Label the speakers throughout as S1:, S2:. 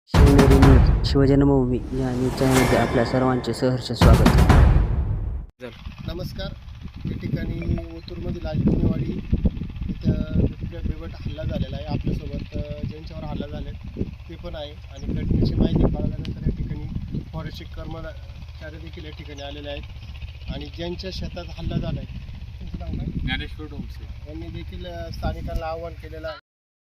S1: Shivneri news शिवजन्मभूमी या news चॅनलमध्ये आपल्या सर्वांचे सहर्ष स्वागत.
S2: नमस्कार. या ठिकाणी ओतूरमधील आजमिनीवाडी इथं बिबट्या बिबट हल्ला झालेला आहे. आपल्यासोबत ज्यांच्यावर हल्ला झाले ते पण आहे आणि घटनेची माहिती कळाल्यानंतर या ठिकाणी फॉरेस्टचे कर्मचारी देखील या ठिकाणी आलेले आहेत आणि ज्यांच्या शेतात हल्ला झाला आहे त्यांचं नाव काय?
S3: ज्ञानेश्वर डोंगसे
S2: यांनी देखील स्थानिकांना आवाहन केलेलं आहे.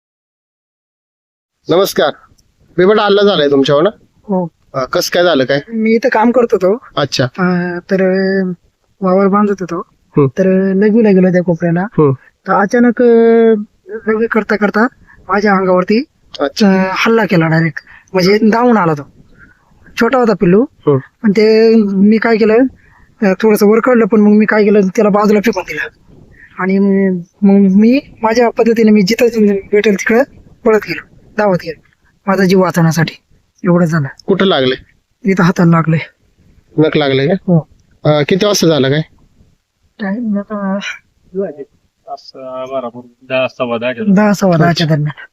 S2: नमस्कार. बिबट हल्ला झालाय तुमच्यावर ना?
S4: हो.
S2: कसं काय झालं काय?
S4: मी इथं काम करत होतो.
S2: अच्छा.
S4: तर वावर बांधत होतो.
S2: हं.
S4: तर लगीला गेलो त्या कोपऱ्याला.
S2: हं.
S4: तर अचानक लगी करता करता माझ्या अंगावरती
S2: अच्छा.
S4: हल्ला केला डायरेक्ट. म्हणजे धावून आला तो. छोटा होता पिल्लू.
S2: हं.
S4: पण ते मी काय केलं, थोडस वर काढलं, पण मग मी काय केलं, त्याला बाजूला फेकून दिलं आणि मग मी माझ्या पद्धतीने मी जिथं भेटेल तिकडं पळत गेलो, धावत गेलो माझा जीव वाचवण्यासाठी. एवढं झालं.
S2: कुठं लागले?
S4: इथं हाताला लागले.
S2: नख लागले का?
S4: हो.
S2: किती वाजता झालं काय?
S4: टाइम आता 10-10:15 दरम्यान.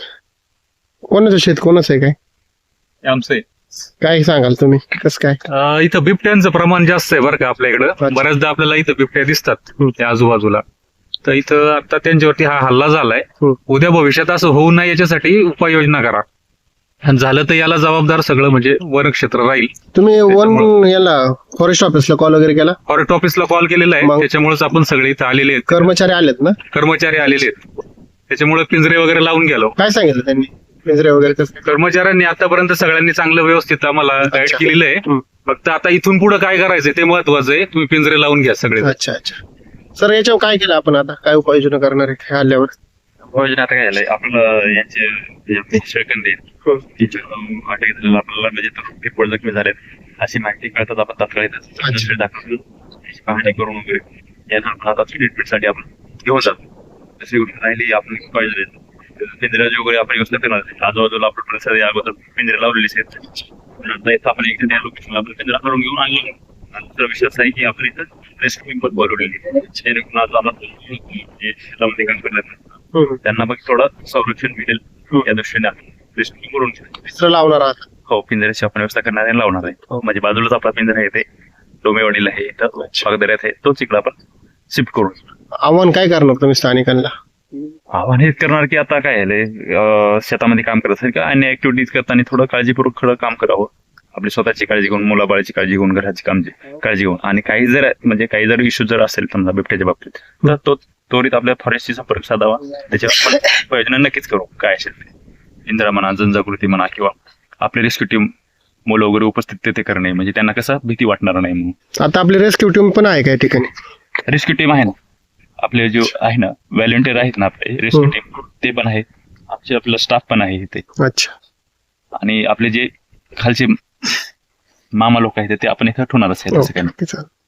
S2: कोणाचं शेत कोणाचं आहे काय?
S3: आमचे
S2: काय सांगाल तुम्ही? कसं काय?
S3: इथं बिबट्यांचं प्रमाण जास्त आहे बरं का आपल्या इकडं.
S2: अच्छा.
S3: बऱ्याचदा आपल्याला इथं बिबट्या दिसतात
S2: हं.
S3: त्या आजूबाजूला. तर इथं आता त्यांच्यावरती हा हल्ला झालाय.
S2: हं.
S3: उद्या भविष्यात असं होऊ नये याच्यासाठी उपाययोजना करा. आणि झालं तर याला जबाबदार सगळं म्हणजे वन क्षेत्र राहील.
S2: तुम्ही वन याला फॉरेस्ट ऑफिसला कॉल वगैरे केला?
S3: फॉरेस्ट ऑफिसला कॉल केलेला आहे.
S2: मग?
S3: त्याच्यामुळेच आपण सगळे इथं आलेले आहेत.
S2: कर्मचारी आलेत ना?
S3: कर्मचारी आलेले आहेत. त्याच्यामुळे पिंजरे वगैरे लावून गेलो.
S2: काय सांगितलं त्यांनी? पिंजरे वगैरे कसं?
S3: कर्मचाऱ्यांनी आतापर्यंत सगळ्यांनी चांगलं व्यवस्थित आम्हाला गाईड
S2: अच्छा.
S3: केलेलं आहे.
S2: हं.
S3: फक्त आता इथून पुढे काय करायचंय ते महत्वाचं आहे. तुम्ही पिंजरे लावून घ्या सगळे.
S2: अच्छा अच्छा. सर याच्यावर काय केलं आपण आता? काय उपाययोजना करणार आहे ह्या हल्ल्यावर?
S5: आता काय झालंय आपलं यांचे सेकंड अटक झालेला आपल्याला म्हणजे रिपोर्ट जखमी झालेत अशी माहिती कळतात आपण तात्काळ
S2: अच्छा.
S5: दाखवून त्याची पाहणी करून वगैरे यांना आता ट्रीटमेंटसाठी आपण घेऊन जातो. दुसरी गोष्ट राहिली आपण पाहिजे पिंजऱ्याची वगैरे आपण व्यवस्था करणार आहे. आजूबाजूला आपण परिसर या अगोदर पिंजरे लावलेलीच आहेत. नंतर इथं आपण एकदा त्या लोकेशनला आपण पिंजरा करून घेऊन आणलेला. दुसरा विषय असा आहे की आपण इथं रेस्क्यू पण बोलवलेली जेणेकरून आज आम्हाला काम करण्यात त्यांना मग थोडं संरक्षण मिळेल या दृष्टीने आपण रेस्क्यू करून
S2: पिंजरा लावणार आहात?
S5: हो, पिंजऱ्याची आपण व्यवस्था करणार आहे, लावणार आहे. म्हणजे बाजूलाच आपला पिंजरा आहे ते डोमेवाडीला आहे, इथं पागदऱ्यात आहे, तोच इकडे आपण शिफ्ट करू.
S2: आव्हान काय करणार तुम्ही स्थानिकांना?
S5: आव्हान हेच करणार की आता काय झालंय शेतामध्ये काम करत असेल किंवा अन्य ऍक्टिव्हिटीज करताना थोडं काळजीपूर्वक खरं काम करावं. आपली स्वतःची काळजी घेऊन, मुलाबाळाची काळजी घेऊन, घराची काळजी घेऊन. आणि काही जर इश्यू जर असेल समजा बिबट्याच्या बाबतीत तर तो त्वरित आपल्या फॉरेस्टशी संपर्क साधावा. त्याच्यावर उपाययोजना नक्कीच करू. काय असेल ते पिंजरा म्हणा, जनजागृती म्हणा, किंवा आपले रेस्क्यू टीम मुलं वगैरे उपस्थित तिथे करणे, म्हणजे त्यांना कसं भीती वाटणार नाही म्हणून.
S2: आता आपली रेस्क्यू टीम पण आहे का या ठिकाणी?
S5: रेस्क्यू टीम आहे ना आपले, जो आहे ना व्हॉलंटियर आहेत ना आपले रेस्क्यू टीम, ते पण आहेत. आपला स्टाफ पण आहे इथे.
S2: अच्छा.
S5: आणि आपले जे खालचे मामा लोक आहेत ते आपण इथं ठेवणारच आहे. तसं काही नाही.
S2: ओके, चालेल.